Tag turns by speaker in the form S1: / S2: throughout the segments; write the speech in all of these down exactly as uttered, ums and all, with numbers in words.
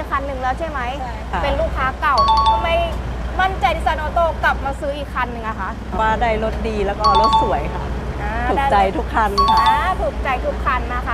S1: คันหนึ่งแล้วใช่ไหม
S2: ค่ะ
S1: เป็นลูกค้าเก่าทำไมมั่นใจที่ซันออโต้กลับมาซื้ออีกคันหนึ่งอะคะ
S2: ว่าได้รถดีแล้วก็รถสวยค่ะ
S1: อ่า
S2: ถูก
S1: ได้
S2: ใจทุกคันค่ะ
S1: อ่าถูกใจทุกคันนะคะ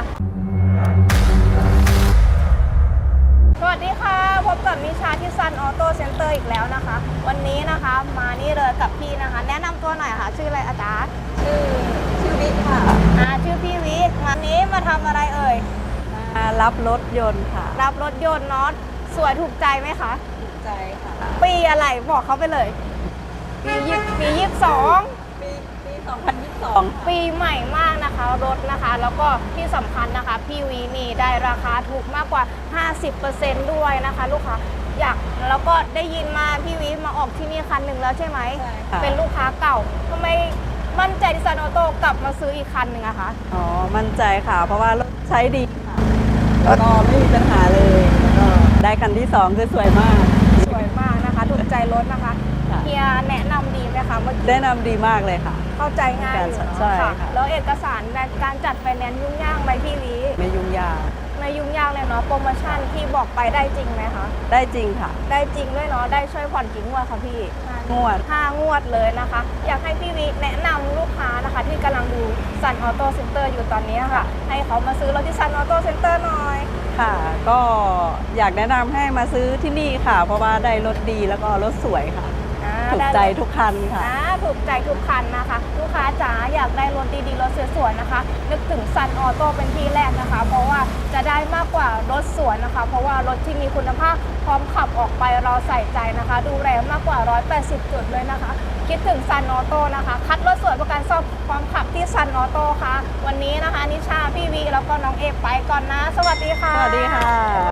S1: สวัสดีค่ะพบกับนิชาที่ซันออโต้เซ็นเตอร์อีกแล้วนะคะ วันนี้นะคะมานี่เลยกับพี่นะคะ แนะนำตัวหน่อยค่ะ ชื่ออะไรอาจารย์
S2: ชื่อชื่อวิทย์ค่ะ
S1: อ่าชื่อพี่วิทย์วันนี้มาทำอะไรเอ่ย
S2: มารับรถยนต์ค่ะ
S1: รับรถยนต์เนาะสวยถูกใจไหมคะ
S2: ถูกใจค่ะ
S1: ปีอะไรบอกเขาไปเลย ปียี่ปียี่สิบสอง
S2: ปีปีสองพันยี่สิบสอง
S1: ปีใหม่มากนะคะรถนะคะ แล้วก็ที่สำคัญนะคะพี่วีนี่ได้ราคาถูกมากกว่า ห้าสิบเปอร์เซ็นต์ ด้วยนะคะ ลูกค้าอยากแล้วก็ได้ยินมาพี่วีมาออกที่นี่คันหนึ่งแล้วใช่ไหม
S2: ใช่ค่ะ
S1: เป็นลูกค้าเก่าทำไมมั่นใจที่ซันออโต้กลับมาซื้ออีกคันหนึ่งอะคะ
S2: อ๋อ มั่นใจค่ะ เพราะว่ารถใช้ดีค่ะแล้วก็ไม่มีปัญหาเลยแล้วก็ได้คันที่สองคือสวยมาก
S1: สวยมากนะคะถูกใจรถนะคะ
S2: ค่ะ
S1: เฮียแนะนำดีไหมคะเมื่อกี้
S2: แนะนำดีมากเลยค่ะ
S1: เข้าใจง่ายอยู่เนาะ
S2: ใช่ค่ะ
S1: แล้วเอกสารในการจัดไฟแนนซ์ยุ่งยากไหมพี่วี
S2: ไม่ยุ่งยาก
S1: ไม่ยุ่งยากเลยเนาะโปรโมชั่นที่บอกไปได้จริงไหมคะ
S2: ได้จริงค่ะ
S1: ได้จริงด้วยเนาะได้ช่วยผ่อนกี่งวดคะพี่
S2: งวด
S1: ห้างวดเลยนะคะ อยากให้พี่วิแนะนำลูกค้านะคะ ที่กำลังดูซันออโต้เซ็นเตอร์อยู่ตอนนี้ค่ะ ให้เขามาซื้อรถที่ซันออโต้เซ็นเตอร์หน่อย
S2: ค่ะ ก็อยากแนะนำให้มาซื้อที่นี่ค่ะ เพราะว่าได้รถดีแล้วก็รถสวยค่ะ
S1: อ่า
S2: ถูก
S1: ได้
S2: ใจทุกคันค่ะ
S1: อ่าถูกใจทุกคันนะคะ ลูกค้าจ๋าอยากได้รถดีๆรถสวยๆนะคะ นึกถึงซันออโต้เป็นที่แรกนะคะ เพราะว่าจะได้มากกว่ารถสวยนะคะ เพราะว่ารถที่มีคุณภาพพร้อมขับออกไปเราใส่ใจนะคะ ดูแลมากกว่าหนึ่งร้อยแปดสิบจุดเลยนะคะ คิดถึงซันออโต้นะคะ คัดรถสวยประกันซ่อมความขับที่ซันออโต้ค่ะ วันนี้นะคะนิชาพี่วีแล้วก็น้องเอไปก่อนนะ สวัสดีค่ะ
S2: สวัสดีค่ะ